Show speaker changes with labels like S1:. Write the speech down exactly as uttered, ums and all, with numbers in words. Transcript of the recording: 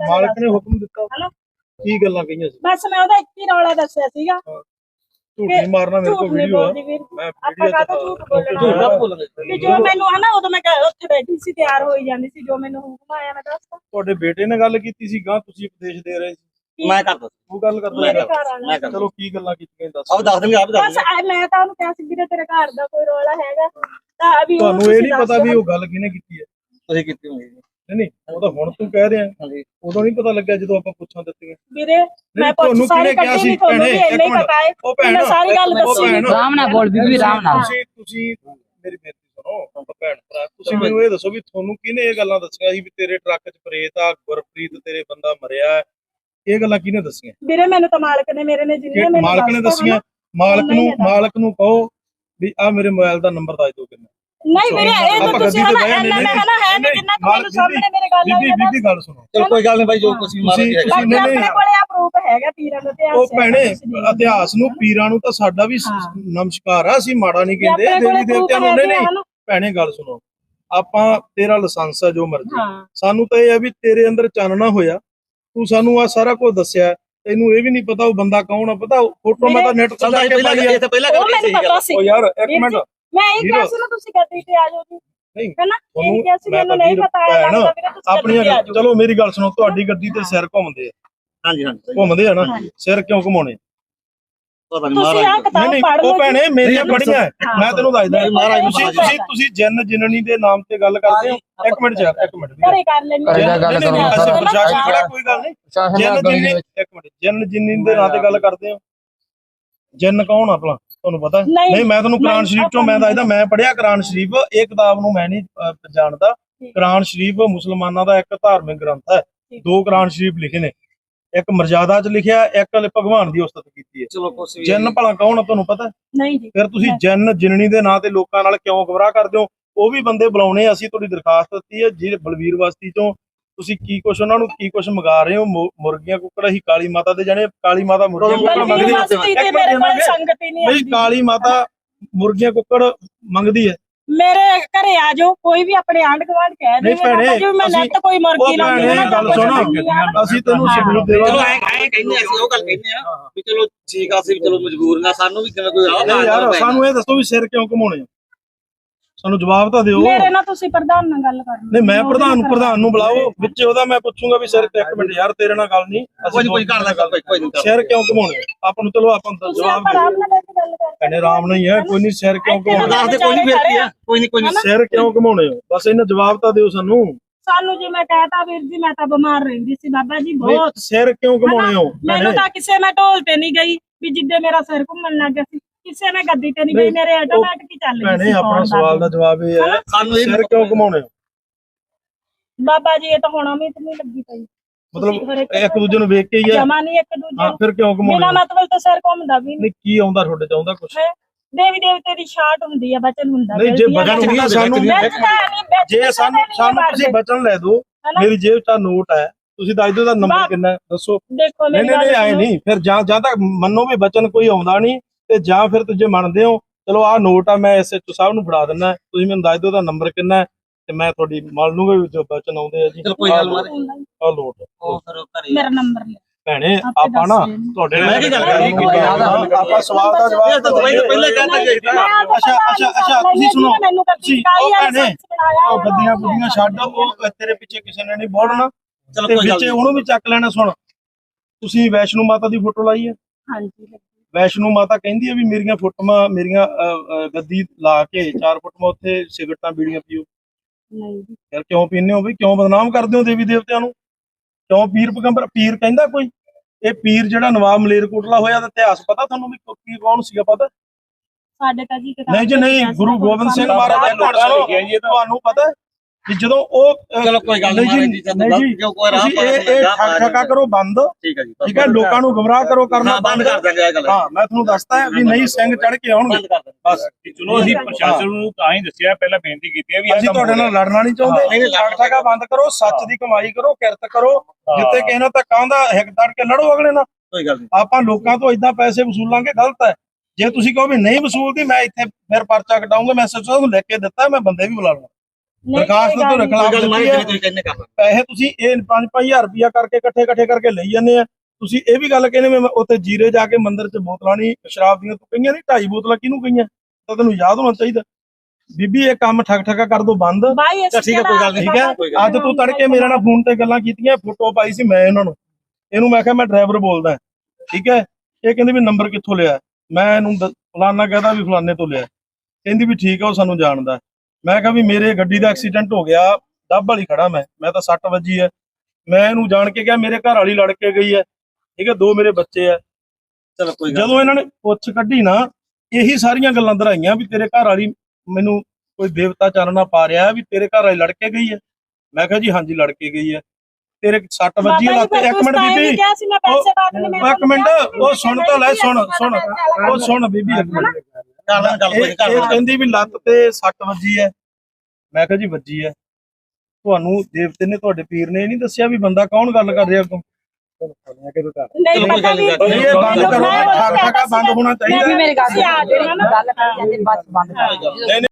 S1: ਦਿੱਤਾ
S2: ਮਾਲਕ ਨੇ ਹੁਕਮ ਦਿੱਤਾ
S1: ਹਨਾ
S2: ਕੀ ਗੱਲਾਂ ਕਹੀਆਂ ਸੀ
S1: ਬਸ ਮੈਂ ਉਹਦਾ ਇੱਕ ਹੀ ਰੌਲਾ ਦੱਸਿਆ ਸੀਗਾ
S2: ਝੂਠ ਨਹੀਂ ਮਾਰਨਾ ਮੇਰੇ ਕੋਲ
S1: ਝੂਠ ਨਹੀਂ
S2: ਵੀਡੀਓ ਆ
S1: ਬੋਲਦੀ ਵੀਰ
S2: ਮੈਂ
S1: ਆਪਾਂ
S2: ਵੀਡੀਓ
S1: ਕਾਹਤੋਂ ਝੂਠ ਬੋਲਣਾ ਵੀ ਜੋ ਮੈਨੂੰ ਹਨਾ ਉਦੋਂ ਮੈਂ ਕ- ਉੱਥੇ ਬੈਠੀ ਸੀ ਤਿਆਰ ਹੋਈ ਜਾਂਦੀ ਸੀ ਜੋ ਮੈਨੂੰ ਹੁਕਮ ਆਇਆ ਮੈਂ ਦੱਸਦਾ
S2: ਤੁਹਾਡੇ ਬੇਟੇ ਨੇ ਗੱਲ ਕੀਤੀ ਸੀ ਗਾਂ ਤੁਸੀਂ ਉਪਦੇਸ਼ ਦੇ ਰਹੇ ਸੀ
S3: ਮੈਂ ਕਰਦਾ
S2: ਉਹ ਗੱਲ ਕਰਦਾ
S1: ਮੇਰੇ
S2: ਹੈਗਾ।
S1: ਘਰ ਵਾਲਾ
S3: ਮੈਂ
S2: ਚਲੋ ਕੀ ਗੱਲਾਂ ਕੀਤੀਆਂ ਦੱਸ
S3: ਆਪ ਦੱਸ ਦੇਣਗੇ ਆਪ ਦੱਸ
S1: ਬਸ ਆ- ਮੈਂ ਤਾਂ ਉਹਨੂੰ ਕਿਹਾ ਸੀ ਵੀਰੇ ਤੇਰੇ ਘਰ ਦਾ ਕੋਈ ਰੌਲਾ ਹੈਗਾ ਤਾਂ ਵੀ ਉਹਨੂੰ
S2: ਤੁਹਾਨੂੰ ਇਹ
S1: ਤੁਸੀਂ
S2: ਨਹੀਂ ਪਤਾ
S1: ਦੱਸ
S2: ਵੀ
S1: ਦਿਓ।
S2: ਉਹ ਗੱਲ ਕਿਹਨੇ ਕੀਤੀ ਹੈ
S3: ਤੁਸੀਂ ਕੀਤੀ ਹੋਣੀ
S2: ਨਹੀਂ ਨਹੀਂ ਉਹ ਤਾਂ ਹੁਣ ਤੂੰ ਕਹਿ ਰਿਹਾ
S3: ਹਾਂਜੀ
S2: ਉਦੋਂ ਨਹੀਂ ਪਤਾ ਲੱਗਿਆ ਜਦੋਂ ਆਪਾਂ ਪੁੱਛਾਂ ਦਿੱਤੀਆਂ
S1: ਵੀਰੇ ਮੈਂ ਪੁੱਛ
S2: ਤੁਹਾਨੂੰ
S1: ਸਾਰੀ
S2: ਕਿਹਨੇ ਕਿਹਾ
S1: ਕੱਢੀ
S2: ਸੀ
S1: ਨਹੀਂ ਤੁਹਾਨੂੰ ਵੀ
S2: ਭੈਣੇ,
S1: ਇੰਨਾ ਹੀ
S2: ਇੱਕ ਮਿੰਟ।
S1: ਪਤਾ ਹੈ
S2: ਉਹ ਭੈਣ
S1: ਮੈਂ ਸਾਰੀ ਗੱਲ
S2: ਉਹ
S1: ਦੱਸੀ
S2: ਭੈਣ
S4: ਰਾਮ ਨਾਲ ਬੋਲ ਬੀਬੀ ਰਾਮ ਨਾਲ
S2: ਤੁਸੀਂ ਤੁਸੀਂ ਮੇਰੀ ਬੇਨਤੀ ਸੁਣੋ ਆਪਾਂ ਭੈਣ ਭਰਾ ਤੁਸੀਂ ਮੈਨੂੰ ਇਹ ਦੱਸੋ ਵੀ ਤੁਹਾਨੂੰ ਕਿਹਨੇ ਇਹ ਗੱਲਾਂ ਦੱਸੀਆਂ ਸੀ ਵੀ ਤੇਰੇ ਟਰੱਕ 'ਚ ਪ੍ਰੇਤ ਆ ਗੁਰਪ੍ਰੀਤ ਤੇਰੇ ਬੰਦਾ ਮਰਿਆ ਹੈ? ਇਹ ਗੱਲਾਂ ਕਿਹਨੇ ਦੱਸੀਆਂ
S1: ਵੀਰੇ ਮੈਨੂੰ ਤਾਂ ਮਾਲਕ ਨੇ ਮੇਰੇ ਨੇ ਜਿੰਨੇ
S2: ਕਿ
S1: ਮੈਨੂੰ
S2: ਮਾਲਕ ਨੇ ਦੱਸੀਆਂ ਮਾਲਕ ਨੂੰ ਮਾਲਕ ਨੂੰ ਕਹੋ ਵੀ ਆ ਮੇਰੇ ਮੋਬਾਈਲ ਦਾ ਨੰਬਰ ਦੱਸ ਦਿਓ ਕਿੰਨਾ
S1: ਨਹੀਂ ਵੀਰੇ ਇਹ ਤਾਂ ਤੁਸੀਂ ਹਨਾ ਇੰਨਾ ਮੈਂ ਹਨਾ ਹੈ ਨਹੀਂ ਜਿੰਨਾ ਕੁ ਮੈਨੂੰ ਸਾਹਮਣੇ ਮੇਰੇ ਗੱਲ
S2: ਬੀਬੀ
S1: ਆਈ
S2: ਬੀਬੀ ਗੱਲ ਸੁਣੋ
S3: ਚਲ ਕੋਈ ਗੱਲ ਨਹੀਂ ਬਾਈ ਜੋ ਕੁਝ ਮਾਰ
S2: ਤੁਸੀਂ-
S3: ਕੇ
S2: ਤੁਸੀਂ-
S1: ਬਾਕੀ ਆਪਣੇ ਕੋਲੇ ਆ ਪ੍ਰੂਫ ਹੈਗਾ ਪੀਰਾਂ ਦਾ ਇਤਿਹਾਸ
S2: ਉਹ ਭੈਣੇ ਇਤਿਹਾਸ ਨੂੰ ਪੀਰਾਂ ਨੂੰ ਤਾਂ ਸਾਡਾ ਵੀ
S1: ਹਾਂ।
S2: ਨਮਸਕਾਰ ਆ ਅਸੀਂ ਮਾੜਾ ਨਹੀਂ ਕਹਿੰਦੇ
S1: ਆਪਣੇ ਕੋਲੇ
S2: ਦੇਵੀ ਦੇਵਤਿਆਂ ਨੂੰ
S1: proof
S2: ਨਹੀਂ
S1: ਹੈਗੇ
S2: ਨਹੀਂ
S1: ਆ,
S2: ਭੈਣੇ ਗੱਲ ਸੁਣੋ ਆਪਾਂ ਤੇਰਾ ਲਾਇਸੈਂਸ ਆ ਜੋ ਮਰਜ਼ੀ
S1: ਹਾਂ
S2: ਸਾਨੂੰ ਤਾਂ ਇਹ ਆ ਵੀ ਤੇਰੇ ਅੰਦਰ ਚਾਨਣਾ ਹੋਇਆ ਤੂੰ ਸਾਨੂੰ ਆ ਸਾਰਾ ਕੁਝ ਦੱਸਿਆ ਤੈਨੂੰ ਇਹ ਵੀ ਨਹੀਂ ਪਤਾ ਉਹ ਬੰਦਾ ਕੌਣ ਆ ਪਤਾ ਫੋਟੋ ਮੈਂ ਤਾਂ ਨੈਟ ਤੋਂ
S3: ਚੱਲਦਾ
S2: ਚੱਕ ਕੇ
S3: ਪਹਿਲਾਂ
S2: ਪਾਈ ਆ।
S3: ਇਹ ਤਾਂ ਪਹਿਲਾਂ
S1: ਉਹ
S3: ਕਰ
S1: ਮੈਨੂੰ ਪਤਾ ਸੀ
S2: ਉਹ ਯਾਰ ਇੱਕ
S1: ਵੀਰ
S2: ਮਿੰਟ
S1: ਜੀ, ਮੈਂ ਇਹ ਕਿਹਾ
S2: ਵੀਰ।
S1: ਸੀ ਨਾ ਤੁਸੀਂ ਗੱਡੀ ਤੇ ਆ ਜਾਓ ਜੀ
S2: ਨਹੀਂ
S1: ਹੈਨਾ
S2: ਤੁਹਾਨੂੰ
S1: ਇਹ ਕਿਹਾ ਸੀ
S2: ਮੈਂ
S1: ਮੈਨੂੰ
S2: ਤਾਂ
S1: ਨਹੀਂ
S2: ਵੀਰ
S1: ਪਤਾ ਹੈ
S2: ਭੈਣ,
S1: ਲੱਗਦਾ ਵੀਰੇ ਤੁਸੀਂ
S2: ਆਪਣੀਆਂ
S1: ਗੱਡੀ ਤੇ ਆ ਜਾਓ
S2: ਚਲੋ ਮੇਰੀ ਗੱਲ ਸੁਣੋ ਤੁਹਾਡੀ ਗੱਡੀ ਤੇ ਸਿਰ ਘੁੰਮਦੇ ਆ
S3: ਹਾਂਜੀ ਹਾਂਜੀ
S2: ਘੁੰਮਦੇ ਆ ਨਾ
S1: ਹਾਂਜੀ।
S2: ਸਿਰ ਕਿਉਂ ਘੁਮਾਉਣੇ
S3: ਪਤਾ ਨਹੀਂ
S1: ਤੁਸੀਂ ਆ
S3: ਮਹਾਰਾਜ
S2: ਨਹੀਂ
S1: ਕਿਤਾਬ
S2: ਨਹੀਂ
S1: ਪੜ੍ਹ
S2: ਉਹ
S1: ਲਓ
S2: ਭੈਣੇ ਮੇਰੀਆਂ
S3: ਨਹੀਂ,
S2: ਪੜੀਆਂ
S1: ਹਾਂ।
S2: ਮੈਂ ਤੈਨੂੰ ਦੱਸਦਾ
S1: ਮੇਰੇ
S3: ਮਹਾਰਾਜ ਨੂੰ
S2: ਤੁਸੀਂ
S1: ਪਤਾ
S2: ਤੁਸੀਂ ਤੁਸੀਂ ਜਨ ਜਨਨੀ ਦੇ ਨਾਮ ਤੇ ਗੱਲ ਕਰਦੇ ਹੋ ਇੱਕ ਮਿੰਟ ਯਾਰ ਇੱਕ ਮਿੰਟ
S1: ਘਰੇ ਕਰ ਲੈਣੀ
S4: ਘਰੇ ਦਾ ਗੱਲ ਕਰੋ
S2: ਅਸੀਂ
S4: ਸਾਰਾ।
S2: ਪ੍ਰਸ਼ਾਸਨ ਖੜਾ ਕੋਈ ਗੱਲ ਨਹੀਂ ਜਨ ਜਿੰਨੀ ਇੱਕ ਮਿੰਟ ਜਨ ਜਿੰਨੀ ਦੇ ਨਾਂ ਤੇ ਗੱਲ ਕਰਦੇ ਹੋ ਜਨ ਕੌਣ ਆ ਭਲਾ ਤੁਹਾਨੂੰ ਪਤਾ ਹੈ?
S1: ਨਹੀਂ,
S2: ਨਹੀਂ ਮੈਂ ਤੁਹਾਨੂੰ ਕੁਰਾਨ
S1: ਨਹੀਂ,
S2: ਸ਼ਰੀਫ ਚੋਂ ਮੈਂ ਦੱਸਦਾ ਮੈਂ ਪੜਿਆ ਕੁਰਾਨ ਸ਼ਰੀਫ ਇਹ ਕਿਤਾਬ ਨੂੰ ਮੈਂ ਨਹੀਂ ਅਹ, ਜਾਣਦਾ ਕੁਰਾਨ ਸ਼ਰੀਫ ਮੁਸਲਮਾਨਾਂ ਦਾ ਇੱਕ ਧਾਰਮਿਕ ਗ੍ਰੰਥ ਹੈ ਦੋ ਕੁਰਾਨ ਸ਼ਰੀਫ ਲਿਖੇ ਨੇ ਇੱਕ ਮਰਜ਼ਾਦਾ ਚ ਲਿਖਿਆ ਇੱਕ ਭਗਵਾਨ ਦੀ ਉਸਤਤ ਕੀਤੀ ਹੈ
S3: ਚਲੋ ਕੁਛ ਵੀ
S2: ਜਨ ਭਲਾ ਕੌਣ ਆ ਤੁਹਾਨੂੰ ਪਤਾ ਹੈ?
S1: ਨਹੀਂ ਜੀ
S2: ਫਿਰ ਤੁਸੀਂ ਜਨ ਜਿਨਣੀ ਦੇ ਨਾਂ ਤੇ ਲੋਕਾਂ ਨਾਲ ਕਿਉਂ ਗਮਰਾਹ ਕਰਦੇ ਹੋ ਉਹ ਵੀ ਬੰਦੇ ਬੁਲਾਉਣੇ ਆ, ਅਸੀਂ ਤੁਹਾਡੀ ਦਰਖਾਸਤ ਦਿੱਤੀ ਹੈ ਜੀ ਬਲਵੀਰ ਬਸਤੀ ਚੋਂ ਤੁਸੀਂ ਕੀ ਕੁਛ ਉਹਨਾਂ ਨੂੰ ਕੀ ਕੁਛ ਮੰਗਾ ਰਹੇ ਹੋ ਮੁ- ਮੁਰਗੀਆਂ ਕੁੱਕੜ ਅਸੀਂ ਕਾਲੀ ਮਾਤਾ ਦੇ ਜਾਣੇ ਕਾਲੀ ਮਾਤਾ ਮੁਰਗੀਆਂ ਕੁੱਕੜ
S1: ਬਲਵੀਰ
S2: ਮੰਗਦੀ ਹੈ
S1: ਮਸਤੀ ਤੇ ਮੇਰੇ ਕੋਲ ਸੰਗਤ ਹੀ ਨਹੀਂ
S2: ਨਹੀਂ
S1: ਆਉਂਦੀ
S2: ਕਾਲੀ ਮਾਤਾ ਮੁਰਗੀਆਂ ਕੁੱਕੜ ਮੰਗਦੀ ਹੈ
S1: ਮੇਰੇ ਘਰੇ ਆ ਜਾਓ ਕੋਈ ਵੀ ਆਪਣੇ ਆਂਢ ਗੁਆਂਢ ਕਹਿ ਦੇ
S2: ਨਹੀਂ ਭੈਣੇ,
S1: ਜੀ ਮੈਂ
S2: ਅਸੀਂ-
S1: ਨੈਟ ਕੋਈ
S2: ਉਹ
S1: ਮੁਰਗੀ ਲਾਉਂਦੀ
S2: ਭੈਣੇ
S1: ਨਾ
S2: ਗੱਲ ਸੁਣੋ ਅਸੀਂ ਤੈਨੂੰ ਸਬੂਤ
S3: ਚਲੋ
S2: ਦੇਵਾਂਗੇ
S3: ਐ ਐ ਕਹਿੰਦੇ ਅਸੀਂ ਉਹ ਗੱਲ ਕਹਿੰਦੇ ਆ ਵੀ ਚਲੋ ਠੀਕ ਆ ਅਸੀਂ ਵੀ ਚਲੋ ਮਜਬੂਰ ਨਾ ਸਾਨੂੰ ਵੀ ਕਿਵੇਂ ਕੋਈ ਰਾਹ
S2: ਨਹੀਂ ਯਾਰ ਸਾਨੂੰ ਇਹ ਦੱਸੋ ਵੀ ਸਿਰ ਕਿਉਂ ਘਮਾਉਣੇ ਆ? ਸਾਨੂੰ ਜਵਾਬ ਤਾਂ ਦਿਓ
S1: ਮੇਰੇ ਨਾਲ ਤੁਸੀਂ ਪ੍ਰਧਾਨ ਨਾਲ ਗੱਲ ਕਰਨੀ
S2: ਨਹੀਂ ਮੈਂ ਪ੍ਰਧਾਨ ਪ੍ਰਧਾਨ ਨੂੰ ਬੁਲਾਓ ਵਿੱਚ ਉਹਦਾ ਮੈਂ ਪੁੱਛੂੰਗਾ ਵੀ ਸਿਰ ਇੱਕ ਮਿੰਟ ਯਾਰ ਤੇਰੇ ਨਾਲ ਗੱਲ ਨਹੀਂ
S3: ਕੋਈ ਕੋਈ ਕਰਦਾ ਗੱਲ ਕੋਈ ਨਹੀਂ
S2: ਸਿਰ ਕਿਉਂ ਘਮਾਉਣੇ ਆ? ਆਪਾਂ ਨੂੰ ਚਲੋ ਆਪਾਂ ਨੂੰ
S1: ਤੁਸੀਂ
S2: ਜਵਾਬ
S1: ਆਪਾਂ
S2: ਦਿਓ
S1: ਆਰਾਮ ਨਾਲ ਬੈਠ ਕੇ ਗੱਲ ਕਰ
S2: ਕਹਿੰਦੇ ਰਾਮ ਨਹੀਂ ਹੈ ਕੋਈ ਨਹੀਂ ਸਿਰ ਕਿਉਂ ਘਮਾਉਣੇ
S3: ਦੱਸ ਦੇ ਕੋਈ ਨਹੀਂ ਫਿਰ ਕੀ ਆ ਕੋਈ ਨਹੀਂ ਕੋਈ ਨਹੀਂ
S2: ਸਿਰ ਕਿਉਂ ਘਮਾਉਣੇ ਹੋ ਬਸ ਇਹਨਾਂ ਜਵਾਬ ਤਾਂ ਦਿਓ ਸਾਨੂੰ
S1: ਸਾਨੂੰ ਜੀ ਮੈਂ ਕਹਤਾ ਵੀਰ ਜੀ ਮੈਂ ਤਾਂ ਬਿਮਾਰ ਰਹਿੰਦੀ ਸੀ ਬਾਬਾ ਜੀ
S2: ਨਹੀਂ,
S1: ਬਹੁਤ
S2: ਸਿਰ ਕਿਉਂ ਘਮਾਉਣੇ ਹੋ
S1: ਮੈਨੂੰ ਤਾਂ ਕਿਸੇ ਮੈਂ ਢੋਲ ਤੇ ਨਹੀਂ ਗਈ ਵੀ ਜਿੱਦੇ ਮੇਰਾ ਸਿਰ ਘੁੰਮਣ ਲੱਗ ਗਿਆ ਸੀ ਕਿਸੇ ਮੈਂ ਗੱਡੀ ਤੇ ਨਹੀਂ ਗਈ ਮੇਰੇ ਆਟੋਮੈਟਿਕ ਹੀ ਚੱਲ ਗਈ
S2: ਭੈਣੇ
S1: ਸੀ
S2: ਆਪਣਾ
S1: phone
S2: ਸਵਾਲ ਦਾ ਜਵਾਬ ਇਹ ਹੈ
S3: ਸਾਨੂੰ ਇਹ
S2: ਸਿਰ ਕਿਉਂ ਘਮਾਉਣੇ ਹੋ
S1: ਬਾਬਾ ਜੀ ਇਹ ਤਾਂ ਹੁਣ ਉਮੀਦ ਨਹੀਂ ਲੱਗੀ ਪਈ
S2: ਮਤਲਬ ਇੱਕ ਦੂਜੇ ਨੂੰ ਵੇਖ ਕੇ ਹੀ ਹੈ
S1: ਜਮਾ ਨਹੀਂ ਇੱਕ ਦੂਜੇ
S2: ਹਾਂ
S1: ਨੂੰ
S2: ਫਿਰ ਕਿਉਂ ਘਮਾਉਣੇ
S1: ਬਿਨਾ
S2: ਹੋ?
S1: ਮਤਲਬ ਤੋਂ ਸਿਰ ਘੁੰਮਦਾ ਵੀ ਨਹੀਂ
S2: ਨਹੀਂ ਕੀ ਆਉਂਦਾ ਤੁਹਾਡੇ ਚ ਆਉਂਦਾ ਕੁਛ
S1: ਹੈ ਦੇਵੀ ਦੇਵਤੇ ਦੀ ਛਾਟ ਹੁੰਦੀ ਆ ਬਚਨ ਹੁੰਦਾ
S2: ਨਹੀਂ ਜੇ
S1: ਗਲਤੀਆਂ
S2: ਬਚਨ
S1: ਵਿੱਚ-
S2: ਹੁੰਦਾ ਸਾਨੂੰ
S1: ਵਿੱਚ ਤਾਂ ਨਹੀਂ, ਵਿੱਚ
S2: ਜੇ
S1: ਕਿਸੇ
S2: ਸਾਨੂੰ
S1: ਦੇ ਨਹੀਂ
S2: ਸਾਨੂੰ
S1: ਮਾਰਦੇ।
S2: ਤੁਸੀਂ ਬਚਨ ਲੈ ਦਿਓ
S1: ਹਨਾ?
S2: ਮੇਰੀ ਜੇਬ 'ਚ ਨੋਟ ਹੈ ਤੁਸੀਂ ਦੱਸ ਦਿਓ ਦਾ ਨੰਬਰ
S1: ਵਾਹ।
S2: ਕਿੰਨਾ ਹੈ ਦੱਸੋ
S1: ਦੇਖੋ
S2: ਨਹੀਂ
S1: ਮੇਰੀ
S2: ਨਹੀਂ ਨਹੀਂ
S1: ਗੱਲ
S2: ਆਏ
S1: ਸੁਣੋ।
S2: ਨਹੀਂ ਫਿਰ ਜਾਂ ਜਾਂ ਤਾਂ ਮੰਨੋ ਵੀ ਬਚਨ ਕੋਈ ਆਉਂਦਾ ਨਹੀਂ ਤੇ ਜਾਂ ਫਿਰ ਤੁਸੀਂ ਮੰਨਦੇ ਹੋ ਚਲੋ ਆਹ ਨੋਟ ਆ ਮੈਂ ਐਸਐਚਓ ਸਾਹਿਬ ਨੂੰ ਫੜਾ ਦਿੰਦਾ ਤੁਸੀਂ ਮੈਨੂੰ ਦੱਸ ਦਿਓ ਦਾ ਨੰਬਰ ਕਿੰਨਾ ਹੈ ਤੇ ਮੈਂ ਤੁਹਾਡੀ ਮੰਨ ਲੂੰਗਾ ਵੀ ਜੋ ਬਚਨ ਆਉਂਦੇ ਆ ਜੀ
S3: ਚਲੋ ਕੋਈ ਗੱਲ ਮਾਰੇ
S2: ਆਹ ਨੋਟ
S3: ਉਹ ਫਿਰ ਘਰੇ
S1: ਮੇਰਾ ਨੰਬਰ ਲੈ
S2: ਭੈਣੇ
S1: ਆਪੇ
S2: ਆਪਾਂ ਨਾ
S1: ਦੱਸ ਦਿਓ।
S2: ਤੁਹਾਡੇ
S3: ਮੈਂ ਕੀ ਗੱਲ ਕਰੀ?
S2: ਹਾਂ, ਆਪਾਂ ਸਵਾਲ ਦਾ
S3: ਇਹ
S2: ਜਵਾਬ
S3: ਤਾਂ ਦਵਾਈ ਤਾਂ ਪਹਿਲਾਂ ਕਹਿੰਦਾ ਜੀ
S2: ਅੱਛਾ ਅੱਛਾ ਅੱਛਾ ਤੁਸੀਂ ਸੁਣੋ
S1: ਮੈਨੂੰ
S2: ਤੁਸੀਂ ਉਹ ਭੈਣੇ ਉਹ ਗੱਡੀਆਂ ਗੁੱਡੀਆਂ ਛੱਡ ਉਹ ਤੇਰੇ ਪਿੱਛੇ ਕਿਸੇ ਨੇ ਨਹੀਂ ਬੋੜਨਾ
S3: ਚਲੋ
S2: ਤੇ
S3: ਕੋਈ ਗੱਲ
S2: ਵਿੱਚੇ ਉਹਨੂੰ ਵੀ ਚੱਕ ਲੈਣਾ ਸੁਣ ਤੁਸੀਂ ਵੈਸ਼ਨੂ ਮਾਤਾ ਦੀ ਫੋਟੋ ਲਾਈ ਹੈ
S1: ਹਾਂਜੀ
S2: ਵੈਸ਼ਨੂ ਮਾਤਾ ਕਹਿੰਦੀ ਹੈ ਵੀ ਮੇਰੀਆਂ ਫੋਟੋਆਂ ਮੇਰੀਆਂ ਅਹ, ਅਹ, ਗੱਦੀ ਲਾ ਕੇ ਚਾਰ ਫੋਟੋਆਂ ਉੱਥੇ ਸਿਗਰਟਾਂ ਬੀੜੀਆਂ ਪੀਓ
S1: ਨਹੀਂ ਜੀ
S2: ਯਾਰ ਕਿਉਂ ਪੀਂਦੇ ਹੋ ਵੀ ਕਿਉਂ ਬਦਨਾਮ ਕਰਦੇ ਹੋ ਦੇਵੀ ਦੇਵਤਿਆਂ ਨੂੰ ਕਿਉਂ ਪੀਰ ਪੈਗੰਬਰ ਪੀਰ ਕਹਿੰਦਾ ਕੋਈ ਇਹ ਪੀਰ ਜਿਹੜਾ ਨਵਾਬ ਮਲੇਰਕੋਟਲਾ ਹੋਇਆ ਦਾ ਇਤਿਹਾਸ ਪਤਾ ਤੁਹਾਨੂੰ ਵੀ ਕੀ ਕੌਣ ਸੀਗਾ ਪਤਾ
S1: ਸਾਡੇ ਤਾਂ ਜੀ ਕਿਤਾਬ
S2: ਨਹੀਂ ਜੀ ਨਹੀਂ ਗੁਰੂ ਗੋਬਿੰਦ ਸਿੰਘ ਮਹਾਰਾਜ ਦਾ ਤੁਹਾਨੂੰ ਤੁਹਾਨੂੰ ਪਤਾ ਹੈ ਕਿ ਜਦੋਂ ਉਹ ਅਹ,
S3: ਚਲੋ ਕੋਈ ਗੱਲ
S2: ਨਹੀਂ
S3: ਨਹੀਂ
S2: ਜੀ,
S3: ਜੀ
S2: ਨਹੀਂ ਜੀ,
S3: ਜੋ ਕੋਈ ਰਾਹ
S2: ਤੁਸੀਂ ਇਹ ਇਹ ਠੱਗ ਠੱਗਾ ਕਰੋ ਬੰਦ
S3: ਠੀਕ ਹੈ ਜੀ
S2: ਠੀਕ ਹੈ ਲੋਕਾਂ ਨੂੰ ਗੁੰਮਰਾਹ ਕਰੋ ਕਰਨਾ
S3: ਨਾ ਬੰਦ ਕਰ ਦਾਂਗੇ ਇਹ ਗੱਲ
S2: ਹਾਂ ਮੈਂ ਤੁਹਾਨੂੰ ਦੱਸਦਾ ਹੈ ਵੀ ਨਹੀਂ ਸਿੰਘ ਚੜ ਕੇ ਆਉਣਗੇ
S3: ਬੰਦ ਕਰ ਦਾਂਗੇ
S2: ਬਸ
S5: ਚਲੋ ਅਸੀਂ ਪ੍ਰਸ਼ਾਸਨ ਨੂੰ ਤਾਂ ਹੀ ਦੱਸਿਆ ਪਹਿਲਾਂ ਬੇਨਤੀ ਕੀਤੀ ਹੈ ਵੀ
S2: ਅਸੀਂ ਤੁਹਾਡੇ ਨਾਲ ਲੜਨਾ ਨਹੀਂ ਚਾਹੁੰਦੇ ਨਹੀਂ ਠੱਗ ਠੱਗਾ ਬੰਦ ਕਰੋ ਸੱਚ ਦੀ ਕਮਾਈ ਕਰੋ ਕਿਰਤ ਕਰੋ ਜਿੱਥੇ ਕਿਸੇ ਨਾਲ ਧੱਕਾ ਹੁੰਦਾ ਹਿੱਕ ਤੜ ਕੇ ਲੜੋ ਅਗਲੇ ਨਾਲ
S3: ਕੋਈ ਗੱਲ ਨਹੀਂ
S2: ਆਪਾਂ ਲੋਕਾਂ ਤੋਂ ਇਦਾਂ ਪੈਸੇ ਵਸੂਲਾਂਗੇ ਗਲਤ ਹੈ ਜੇ ਤੁਸੀਂ ਕਹੋ ਵੀ ਨਹੀਂ ਵਸੂਲਦੀ ਮੈਂ ਇੱਥੇ ਫਿਰ ਪਰਚਾ ਕਟਾਉਂਗਾ ਮੈਂ ਸੱਚੋ ਨੂੰ ਲਿਖ ਕੇ ਦਿੱਤਾ ਮੈਂ ਬੰਦੇ ਵੀ ਬੁਲਾ ਲਵਾਂ ਦਰਖਾਸਤ ਤੁਹਾਡੇ ਖਿਲਾਫ
S3: ਕੋਈ ਗੱਲ ਮਾਰੀ
S2: ਦਿੱਤੀ ਹੈ।
S3: ਤੁਸੀਂ ਕਹਿੰਦੇ ਕਰ
S2: ਪੈਸੇ ਤੁਸੀਂ ਇਹ ਪੰਜ ਪੰਜ ਹਜ਼ਾਰ ਰੁਪਇਆ ਕਰਕੇ ਇਕੱਠੇ ਇਕੱਠੇ ਕਰਕੇ ਲਈ ਜਾਂਦੇ ਆ। ਤੁਸੀਂ ਇਹ ਵੀ ਗੱਲ ਕਹਿੰਦੇ ਮੈਂ ਉੱਥੇ ਜੀਰੇ ਜਾ ਕੇ ਮੰਦਿਰ 'ਚ ਬੋਤਲਾਂ ਨਹੀਂ ਸ਼ਰਾਬ ਦੀਆਂ ਤੂੰ ਕਹੀਆਂ ਨਹੀਂ ਢਾਈ ਬੋਤਲਾਂ ਕਿਹਨੂੰ ਕਹੀਆਂ ਤਾਂ ਤੈਨੂੰ ਯਾਦ ਹੋਣਾ ਚਾਹੀਦਾ। ਬੀਬੀ ਇਹ ਕੰਮ ਠੱਗ ਠੱਗਾ ਕਰ ਦੋ ਬੰਦ।
S1: ਬਾਈ
S3: ਤਾਂ ਠੀਕ ਹੈ ਕੋਈ ਗੱਲ ਨਹੀਂ
S2: ਠੀਕ ਹੈ ਅੱਜ ਤੂੰ ਤੜਕੇ ਮੇਰੇ ਨਾਲ ਫੋਨ ਤੇ ਗੱਲਾਂ ਕੀਤੀਆਂ ਫੋਟੋ ਪਾਈ ਸੀ ਮੈਂ ਇਹਨਾਂ ਨੂੰ ਇਹਨੂੰ ਮੈਂ ਕਿਹਾ ਮੈਂ ਡਰਾਈਵਰ ਬੋਲਦਾ ਠੀਕ ਹੈ। ਇਹ ਕਹਿੰਦੇ ਵੀ ਨੰਬਰ ਕਿੱਥੋਂ ਲਿਆ ਮੈਂ ਇਹਨੂੰ ਦ- ਫਲਾਨਾ ਕਹਦਾ ਵੀ ਫਲਾਨੇ ਤੋਂ ਲਿਆ ਕਹਿੰਦੀ ਵੀ ਠੀਕ ਹੈ ਉਹ ਸਾਨੂੰ ਜਾਣਦਾ। ਮੈਂ ਕਿਹਾ ਵੀ ਮੇਰੇ ਗੱਡੀ ਦਾ ਐਕਸੀਡੈਂਟ ਹੋ ਗਿਆ ਡੱਬ ਵਾਲੀ ਖੜਾ ਮੈਂ ਮੈਂ ਤਾਂ ਸੱਟ ਵੱਜੀ ਹੈ। ਮੈਂ ਇਹਨੂੰ ਜਾਣ ਕੇ ਕਿਹਾ ਮੇਰੇ ਘਰ ਵਾਲੀ ਲੜ ਕੇ ਗਈ ਹੈ ਠੀਕ ਹੈ ਦੋ ਮੇਰੇ ਬੱਚੇ ਆ।
S3: ਚਲੋ ਕੋਈ ਗੱਲ
S2: ਜਦੋਂ ਇਹਨਾਂ ਨੇ ਪੁੱਛ ਕੱਢੀ ਨਾ ਇਹੀ ਸਾਰੀਆਂ ਗੱਲਾਂ ਦਰਾਈਆਂ ਵੀ ਤੇਰੇ ਘਰ ਵਾਲੀ ਮੈਨੂੰ ਕੋਈ ਦੇਵਤਾ ਚਾਨਣਾ ਪਾ ਰਿਹਾ ਵੀ ਤੇਰੇ ਘਰ ਵਾਲੀ ਲੜ ਕੇ ਗਈ ਹੈ। ਮੈਂ ਕਿਹਾ ਜੀ ਹਾਂਜੀ ਲੜ ਕੇ ਗਈ ਹੈ। ਤੇਰੇ ਸੱਟ ਵੱਜੀ ਹੈ ਲੱਤ। ਇੱਕ ਮਿੰਟ ਬੀਬੀ
S1: ਕਿਹਾ ਸੀ ਮੈਂ ਪੈਸੇ ਬਾਅਦ ਨੇ
S2: ਉਹ ਇੱਕ ਮਿੰਟ ਉਹ ਸੁਣ ਤਾਂ ਲੈ ਸੁਣ ਸੁਣ ਉਹ ਸੁਣ ਬੀਬੀ ਇੱਕ ਮਿੰਟ
S3: ਕਰ ਲਾਂ ਗੱਲ
S2: ਇਹ
S3: ਕੋਈ ਕਰ
S2: ਇਹ
S3: ਲਾਂ
S2: ਕਹਿੰਦੀ ਵੀ ਲੱਤ ਤੇ ਸੱਟ ਵੱਜੀ ਹੈ। ਮੈਂ ਕਿਹਾ ਜੀ ਵੱਜੀ ਹੈ ਤੁਹਾਨੂੰ ਦੇਵਤੇ ਨੇ ਤੁਹਾਡੇ ਪੀਰ ਨੇ ਇਹ ਨਹੀਂ ਦੱਸਿਆ ਵੀ ਬੰਦਾ ਕੌਣ ਗੱਲ ਕਰ ਰਿਹਾ ਅੱਗੋਂ
S1: ਨਹੀਂ ਪਤਾ ਵੀ
S2: ਇਹ ਬੰਦ ਕਰੋ ਠੱਗ ਠੱਗਾ ਬੰਦ ਹੋਣਾ ਚਾਹੀਦਾ।
S4: ਮੇਰੀ ਗੱਲ ਗੱਲ ਕਰੀ ਜਾਂਦੇ ਬਸ ਬੰਦ ਕਰ
S2: ਨਹੀਂ, ਨਹੀਂ।